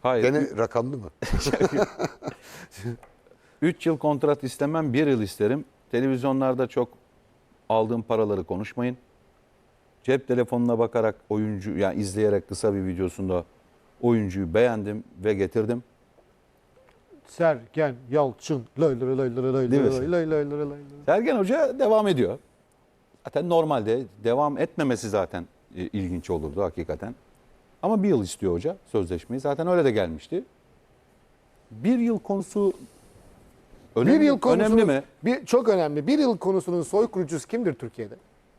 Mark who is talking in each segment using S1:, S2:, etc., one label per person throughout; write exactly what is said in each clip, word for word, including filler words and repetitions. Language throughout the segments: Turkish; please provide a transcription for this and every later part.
S1: Hayır.
S2: Gene rakamlı mı?
S1: üç yıl kontrat istemem, bir yıl isterim. Televizyonlarda çok aldığım paraları konuşmayın. Cep telefonuna bakarak oyuncu, yani izleyerek kısa bir videosunda oyuncuyu beğendim ve getirdim.
S3: Sergen Yalçın. Lay lay lay lay lay
S1: Değil mi?
S3: lay lay lay lay lay lay.
S1: Sergen Hoca devam ediyor. Zaten normalde devam etmemesi zaten e, ilginç olurdu hakikaten. Ama bir yıl istiyor hoca sözleşmeyi. Zaten öyle de gelmişti. Bir yıl konusu önemli,
S3: Bir yıl konusunun,
S1: önemli mi?
S3: Bir, çok önemli. Bir yıl konusunun soy kurucusu kimdir Türkiye'de?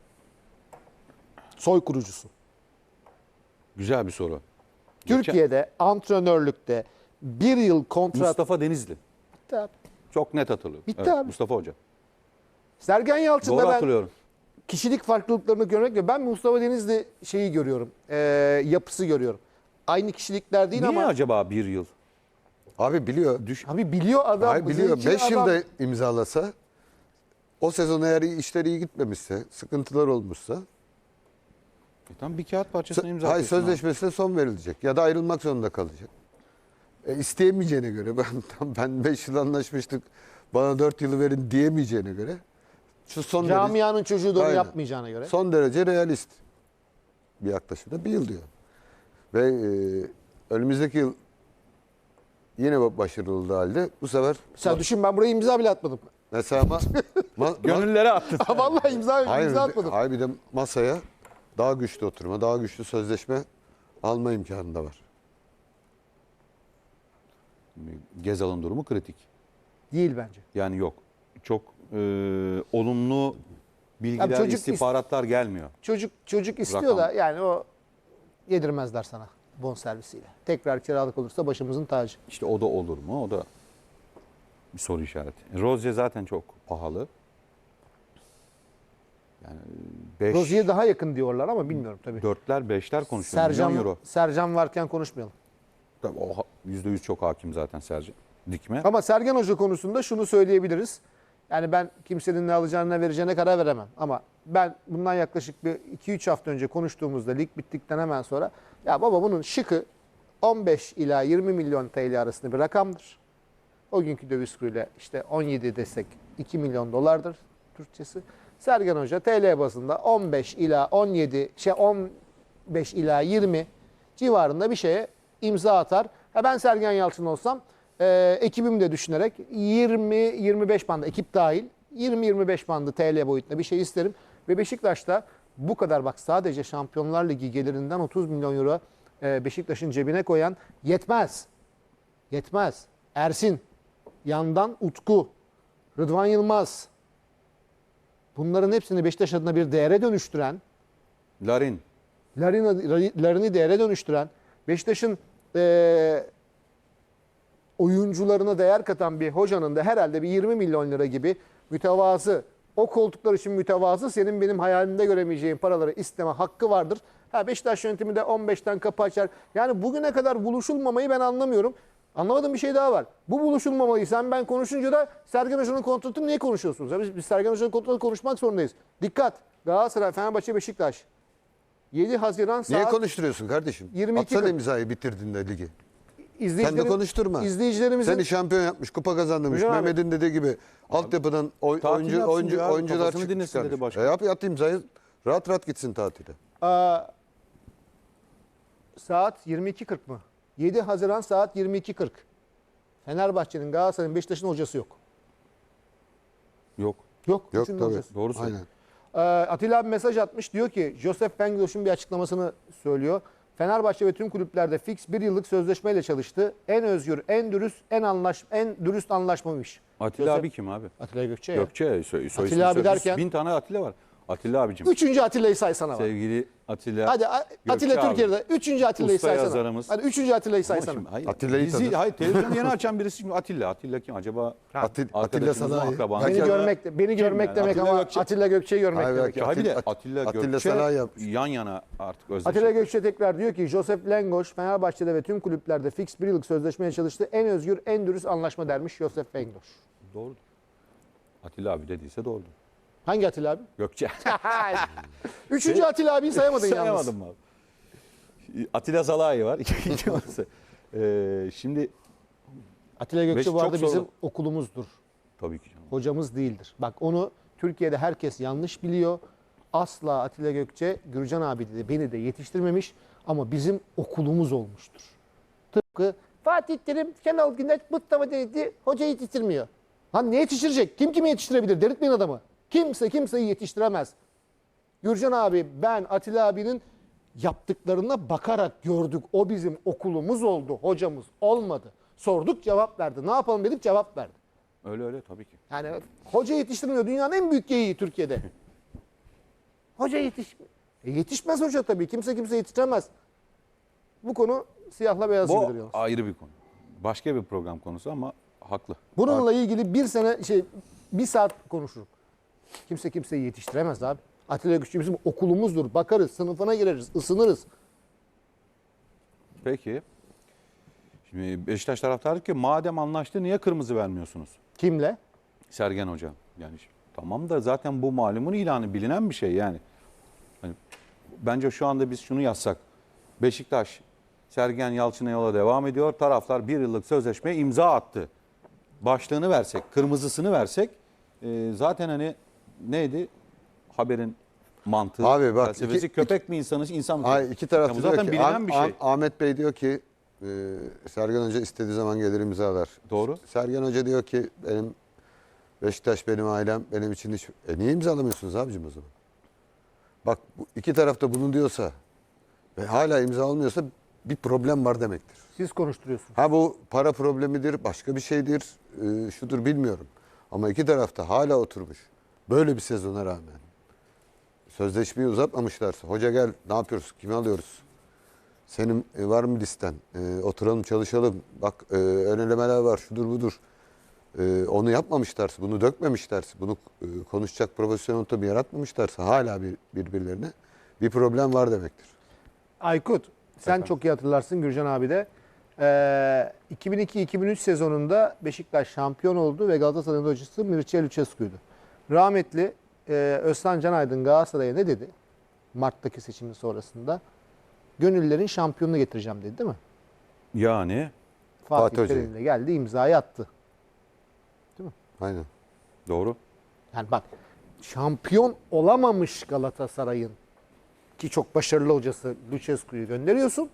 S3: Soy kurucusu.
S1: Güzel bir soru.
S3: Türkiye'de antrenörlükte bir yıl kontrat...
S1: Mustafa Denizli.
S3: Bitti abi.
S1: Çok net hatırlıyorum.
S3: Bitti
S1: Evet,
S3: abi.
S1: Mustafa Hoca.
S3: Sergen Yalçın'da
S1: Doğru
S3: ben
S1: hatırlıyorum.
S3: kişilik farklılıklarını görmek ve ben Mustafa Denizli şeyi görüyorum. E, yapısı görüyorum. Aynı kişilikler değil
S1: Niye
S3: ama...
S1: acaba bir yıl?
S2: Abi biliyor.
S1: Düş
S3: Abi biliyor adam.
S2: Hayır biliyor.
S3: zeki
S2: beş
S3: adam.
S2: yılda imzalasa o sezon eğer işleri iyi gitmemişse, sıkıntılar olmuşsa
S1: E tamam, bir kağıt parçasına imza
S2: hayır
S1: atıyorsun abi.
S2: sözleşmesine son verilecek ya da ayrılmak zorunda kalacak. E, isteyemeyeceğine göre ben tam ben beş yıl anlaşmıştık. Bana dört yılı verin diyemeyeceğine göre şu son derece,
S3: Camianın çocuğu da onu
S2: Aynen.
S3: yapmayacağına göre.
S2: son derece realist bir yaklaşımda bir yıl diyor. Ve e, önümüzdeki yıl yine başarılı olduğu halde bu sefer
S3: Sen düşün, ben buraya imza bile atmadım.
S2: mesela ma, ma,
S1: Gönüllere attın.
S3: Vallahi imza,
S2: Hayır,
S3: imza atmadım.
S2: hayır bir de masaya daha güçlü oturma, daha güçlü sözleşme alma imkanı da var.
S1: Gezal'ın durumu kritik.
S3: Değil bence.
S1: Yani yok. Çok e, olumlu bilgiler,
S3: Abi çocuk
S1: istihbaratlar gelmiyor.
S3: Çocuk çocuk istiyor
S1: Rakam.
S3: da yani o yedirmezler sana bonservisiyle. Tekrar kiralık olursa başımızın tacı.
S1: İşte o da olur mu? O da bir soru işareti. Rozier zaten çok pahalı. Yani beş,
S3: Rozier'e daha yakın diyorlar ama bilmiyorum tabii.
S1: dörtler, beşler konuşuyor. Milyon
S3: Sercan,
S1: euro.
S3: Sercan varken konuşmayalım.
S1: Tabii o ha- yüzde yüz çok hakim zaten Sercan. Dikme.
S3: Ama Sergen Hoca konusunda şunu söyleyebiliriz. Yani ben kimsenin ne alacağına, ne vereceğine karar veremem. Ama ben bundan yaklaşık bir iki üç hafta önce konuştuğumuzda lig bittikten hemen sonra ya baba bunun şıkı on beş ila yirmi milyon T L arasında bir rakamdır. O günkü döviz kuruyla işte on yedi desek iki milyon dolardır Türkçesi. Sergen Hoca T L bazında on beş ila on yedi şey on beş ila yirmi civarında bir şeye imza atar. Ha ben Sergen Yalçın olsam e, ekibimi de düşünerek yirmi yirmi beş bandı ekip dahil yirmi yirmi beş bandı T L boyutunda bir şey isterim. Ve Beşiktaş'ta bu kadar bak sadece Şampiyonlar Ligi gelirinden otuz milyon euro e, Beşiktaş'ın cebine koyan yetmez. Yetmez. Ersin, yandan Utku, Rıdvan Yılmaz. Bunların hepsini Beşiktaş adına bir değere dönüştüren,
S1: Larin.
S3: Larin'i Larin'i değere dönüştüren, Beşiktaş'ın e, oyuncularına değer katan bir hocanın da herhalde bir yirmi milyon lira gibi mütevazı, o koltuklar için mütevazı, senin benim hayalimde göremeyeceğin paraları isteme hakkı vardır. Ha Beşiktaş yönetimi de on beşten kapı açar. Yani bugüne kadar buluşulmamayı ben anlamıyorum. Anlamadığım bir şey daha var. Bu buluşulmamayı sen ben konuşunca da Sergen Hoca'nın kontratını niye konuşuyorsunuz? Ya Biz, biz Sergen Hoca'nın kontratını konuşmak zorundayız. Dikkat! Galatasaray, Fenerbahçe, Beşiktaş. yedi Haziran saat...
S2: Niye konuşturuyorsun kardeşim?
S3: yirmi iki
S2: Atsana
S3: kırk.
S2: imzayı bitirdin de ligi. Sen de
S3: İzleyicilerim-
S2: konuşturma.
S3: İzleyicilerimizin...
S2: Seni şampiyon yapmış, kupa kazandırmış.
S3: Hocam abi.
S2: Mehmet'in dediği gibi altyapıdan oy,
S1: tatil
S2: oyuncu
S1: yapsın
S2: oyuncu
S1: diyor abi,
S2: oyuncular
S1: kafasını
S2: çık-
S1: dinlesin
S2: çıkarmış.
S1: dedi başkan.
S2: E yap at imzayı. Rahat rahat gitsin tatile.
S3: Aa, saat yirmi iki kırk mı? yedi Haziran saat yirmi iki kırk. Fenerbahçe'nin, Galatasaray'ın, Beşiktaş'ın hocası yok.
S1: Yok.
S3: Yok.
S2: Yok
S3: üçünün
S2: tabii.
S3: hocası.
S1: Doğru söylüyor.
S2: Aynen.
S3: Ee, Atilla abi mesaj atmış. Diyor ki Joseph Bengdoş'un bir açıklamasını söylüyor. Fenerbahçe ve tüm kulüplerde fix bir yıllık sözleşmeyle çalıştı. En özgür, en dürüst, en anlaş, en dürüst anlaşmamış.
S1: Atilla
S3: Joseph-
S1: abi kim abi?
S3: Atilla Gökçe ya.
S1: Gökçe. Soy, soy
S3: Atilla abi
S1: ismi söylüyorsun.
S3: derken-
S1: Bin tane Atilla var. Atilla abicim.
S3: Üçüncü Atilla'yı saysana bak.
S1: Sevgili Atilla.
S3: Hadi A-
S1: Gökçe
S3: Atilla
S1: abi.
S3: Türkiye'de. Üçüncü Atilla'yı
S1: Usta
S3: saysana.
S1: yazarımız.
S3: Hadi üçüncü Atilla'yı
S1: Ama
S3: saysana.
S1: şimdi, hayır,
S2: Atilla'yı
S1: bizi,
S2: tanır.
S1: hayır, televizyonu yeni açan birisi şimdi Atilla. Atilla kim acaba?
S2: Atil- Atilla
S1: Arkadaşımız mı,
S2: Sanayi.
S1: akrabamız
S3: Beni
S1: mı?
S3: görmek, de- beni
S1: Kim
S3: görmek
S1: yani?
S3: demek
S1: Atilla
S3: ama
S1: Gökçe.
S3: Atilla Gökçe'yi görmek
S2: Hayır,
S3: demek.
S2: belki
S1: Hayır bir de
S2: Atilla-
S1: Atilla,
S2: Atilla
S1: Gökçe
S2: Sanayi yapmış.
S1: yan yana artık özdeşleşti.
S3: Atilla Gökçe tekrar diyor ki Joseph Lengoş Fenerbahçe'de ve tüm kulüplerde fix bir yıllık sözleşmeye çalıştı. En özgür, en dürüst anlaşma dermiş Joseph Lengoş.
S1: Doğru. Atilla abi dediyse doğru.
S3: Hangi Atilla abi?
S1: Gökçe.
S3: Üçüncü Atilla abiyi sayamadın yalnız.
S1: Sayamadım abi. Atilla Zalai var. İkinci orası. Ee, şimdi
S3: Atilla Gökçe
S1: Beş-
S3: bu arada
S1: çok
S3: bizim
S1: zorlu.
S3: okulumuzdur.
S1: tabii ki canım.
S3: Hocamız değildir. Bak onu Türkiye'de herkes yanlış biliyor. Asla Atilla Gökçe, Gürcan abi de beni de yetiştirmemiş ama bizim okulumuz olmuştur. Tıpkı Fatih Terim, Şenol Güneş, Mustafa Denizli hoca yetiştirmiyor. Lan ne yetiştirecek? Kim kimi yetiştirebilir? Delirtmeyin adamı. Kimse kimseyi yetiştiremez. Gürcan abi, ben Atilla abinin yaptıklarına bakarak gördük. O bizim okulumuz oldu, hocamız olmadı. Sorduk cevap verdi. Ne yapalım dedik cevap verdi.
S1: Öyle öyle tabii ki.
S3: Yani hoca yetiştirmiyor. Dünyanın en büyük geyiği Türkiye'de. Hoca yetişmiyor. E yetişmez hoca tabii. Kimse kimse yetiştiremez. Bu konu siyahla beyaz
S1: Bu
S3: gibidir yalnız.
S1: ayrı bir konu. Başka bir program konusu ama haklı.
S3: Bununla ilgili bir sene şey bir saat konuşurum. Kimse kimseyi yetiştiremez abi. Atilla Gökçe bizim okulumuzdur. Bakarız, sınıfına gireriz, ısınırız.
S1: Peki. Şimdi Beşiktaş taraftarı ki madem anlaştı niye kırmızı vermiyorsunuz?
S3: Kimle?
S1: Sergen Hoca. Yani ş- tamam da zaten bu malumun ilanı bilinen bir şey yani. Hani bence şu anda biz şunu yazsak. Beşiktaş Sergen Yalçın'a yola devam ediyor. Taraftar bir yıllık sözleşmeye imza attı. Başlığını versek, kırmızısını versek e, zaten hani neydi haberin mantığı,
S2: Abi bak,
S1: felsefesi
S2: iki-
S1: köpek mi insanız, insan mı?
S2: Hayır, iki taraf
S1: Ya bu
S2: diyor
S1: zaten
S2: ki
S1: bilinen
S2: Ah-
S1: bir şey.
S2: Ah- Ahmet Bey diyor ki e, Sergen Hoca istediği zaman gelir imzalar.
S1: Doğru.
S2: Sergen Hoca diyor ki benim Beşiktaş benim ailem, benim için hiç... E niye imzalamıyorsunuz abicim o zaman? Bak bu iki taraf da bunu diyorsa ve hala imza almıyorsa bir problem var demektir.
S3: Siz konuşturuyorsunuz.
S2: Ha bu para problemidir, başka bir şeydir, e, şudur bilmiyorum. Ama iki tarafta hala oturmuş. Böyle bir sezona rağmen. Sözleşmeyi uzatmamışlarsa, hoca gel ne yapıyoruz, kimi alıyoruz? Senin e, var mı listen? E, oturalım çalışalım. Bak e, ön elemeler var, şudur budur. E, onu yapmamışlarsa, bunu dökmemişlerse, bunu e, konuşacak profesyonel ortamı yaratmamışlarsa hala bir, birbirlerine bir problem var demektir.
S3: Aykut, sen çok iyi hatırlarsın Gürcan abi de. Ee, iki bin iki iki bin üç sezonunda Beşiktaş şampiyon oldu ve Galatasaray'ın hocası Mircea Lucescu'ydu. Rahmetli e, Özcan Canaydın Galatasaray'a ne dedi? Mart'taki seçimin sonrasında. Gönüllerin şampiyonunu getireceğim dedi değil mi?
S1: Yani
S3: Fatih,
S2: Fatih Hoca'yı.
S3: Terim'le geldi imzayı attı.
S2: Aynen.
S1: doğru.
S3: Yani bak şampiyon olamamış Galatasaray'ın ki çok başarılı hocası Lucescu'yu gönderiyorsun.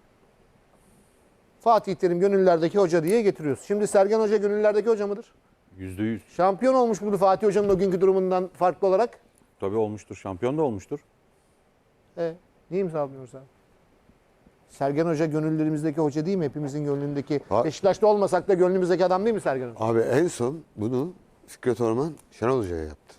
S3: Fatih Terim gönüllerdeki hoca diye getiriyorsun. Şimdi Sergen Hoca gönüllerdeki hoca mıdır?
S1: Yüzde yüz.
S3: Şampiyon olmuş mudur Fatih Hoca'nın o günkü durumundan farklı olarak?
S1: Tabii olmuştur. Şampiyon da olmuştur.
S3: E, niye imzalamıyoruz abi? Sergen Hoca gönüllerimizdeki hoca değil mi? Hepimizin gönlündeki.
S2: Ha-
S3: Beşiktaş'ta olmasak da gönlümüzdeki adam değil mi Sergen Hoca?
S2: Abi en son bunu Fikret Orman Şenol Hoca'ya yaptı.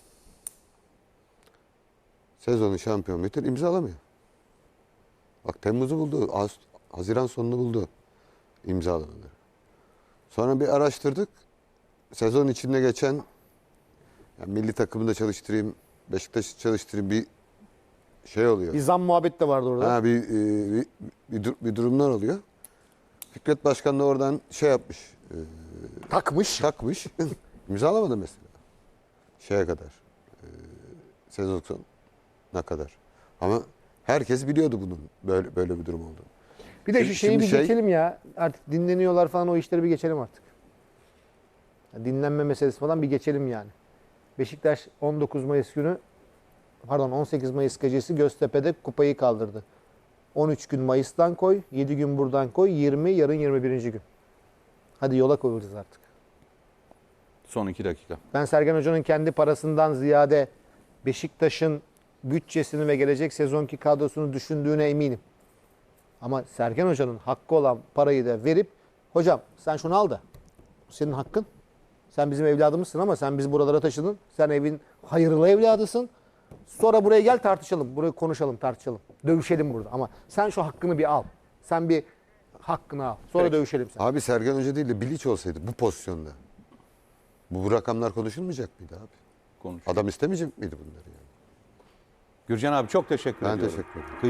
S2: Sezonu şampiyon bitir imzalamıyor. Bak Temmuz'u buldu. Ağust- Haziran sonunu buldu imzalamaları. Sonra bir araştırdık. Sezon içinde geçen yani milli takımında çalıştırayım, Beşiktaş'ı çalıştırayım bir şey oluyor.
S3: Bir zam muhabbet de vardı orada.
S2: Ha, bir, e, bir, bir, dur- bir durumlar oluyor. Fikret Başkan da oradan şey yapmış. e,
S3: Takmış.
S2: takmış. İmzalamadı mesela. Şeye kadar. E, sezon sonuna kadar. Ama herkes biliyordu bunun böyle böyle bir durum olduğunu.
S3: Bir de şu
S2: Şimdi-
S3: şeyi bir
S2: şimdi şey-
S3: geçelim ya. Artık dinleniyorlar falan o işleri bir geçelim artık. Ya dinlenme meselesi falan bir geçelim yani. Beşiktaş on dokuz Mayıs günü pardon on sekiz Mayıs gecesi Göztepe'de kupayı kaldırdı. on üç gün Mayıs'tan koy, yedi gün buradan koy, yirmi yarın yirmi birinci gün. Hadi yola koyulacağız artık.
S1: Son iki dakika.
S3: Ben Sergen Hoca'nın kendi parasından ziyade Beşiktaş'ın bütçesini ve gelecek sezonki kadrosunu düşündüğüne eminim. Ama Sergen Hoca'nın hakkı olan parayı da verip hocam sen şunu al da bu senin hakkın. Sen bizim evladımızsın ama sen bizi buralara taşıdın. Sen evin hayırlı evladısın. Sonra buraya gel tartışalım. Burayı konuşalım, tartışalım. Dövüşelim burada. Ama sen şu hakkını bir al. Sen bir hakkını al. Sonra
S1: Peki.
S3: dövüşelim sen.
S2: Abi Sergen Hoca değil de Bilic olsaydı bu pozisyonda bu rakamlar konuşulmayacak mıydı abi?
S1: Konuş.
S2: Adam istemeyecek miydi bunları yani?
S1: Gürcan abi çok teşekkür
S2: Ben
S1: ediyorum.
S2: teşekkür ederim.